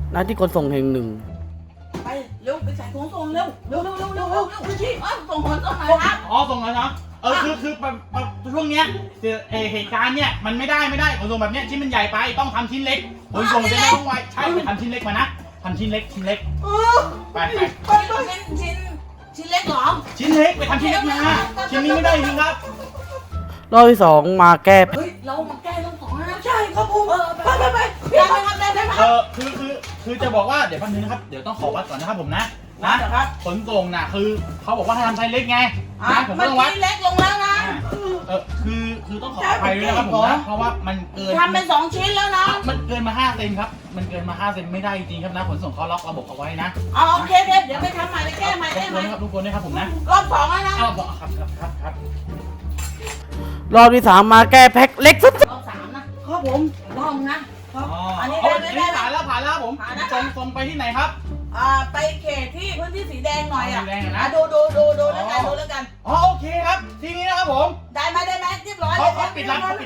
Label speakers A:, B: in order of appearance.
A: หน้าที่ขนส่งแห่งหนึ่ง
B: ไปเร็วไปใส่ถุงส่งเร็วชี้ส่งคนส่งหน่อยครับ
C: อ๋อส่งแล้วเนาะคือช่วงเนี้ยเหตุการณ์เนี้ยมันไม่ได้ขนส่งแบบเนี้ยชิ้นมันใหญ่ไปต้องทำชิ้นเล็กขนส่งจะได้ต้องไวใช่ไปทำชิ้นเล็กมานะทำชิ้นเล็กไป
B: ชิ้นเล็กหรอ
C: ชิ้นเล็กไปทำชิ้นเล็กมาชิ้นนี้ไม่ได้จริงครับ
A: รอบที่สองมาแก้
B: เฮ้ยเรามาแก้เรื่องของนะใช่ครับผมไป
C: คือจะบอกว่าเดี๋ยวแป๊บนึงนะครับเดี๋ยวต้องขอวัดก่อนนะครับผมนะขนส่งน่ะคือเขาบอกว่าให้ทำไซส์เล็กไงนะผมต้องวัด
B: เล็กลงแล้วนะ
C: คือต้องขออภัยด้วยนะครับผมนะเพราะว่ามันเกิน
B: ทำเป็น2ชิ้นแล้วนะ
C: มันเกินมา5เซนครับมันเกินมา5เซนไม่ได้จริงครับนะขนส่งเขาล็อกระบบเอาไว้นะ
B: โอเคเดี๋ยวไปทำใหม่ไปแก้ใหม่ได้ไหม
C: ทุกคนนะครับผมนะ
B: รอบ2แล้วนะ
C: ครับ
A: รอบที่สามมาแก้แพ็คเล็กสุด
B: รอบ3นะครับผมรอบนะ
C: อันนี้ได้ผ่านแล้วผมส่งไปที่ไหนครับ
B: ไปเขตที่พื้นที่สีแดงหน่อยอ่ะดูแล้วกัน
C: โอเคครับทีนี้นะครับผม
B: ได้ไหมเรียบร้อย
C: เขาปิดร้าน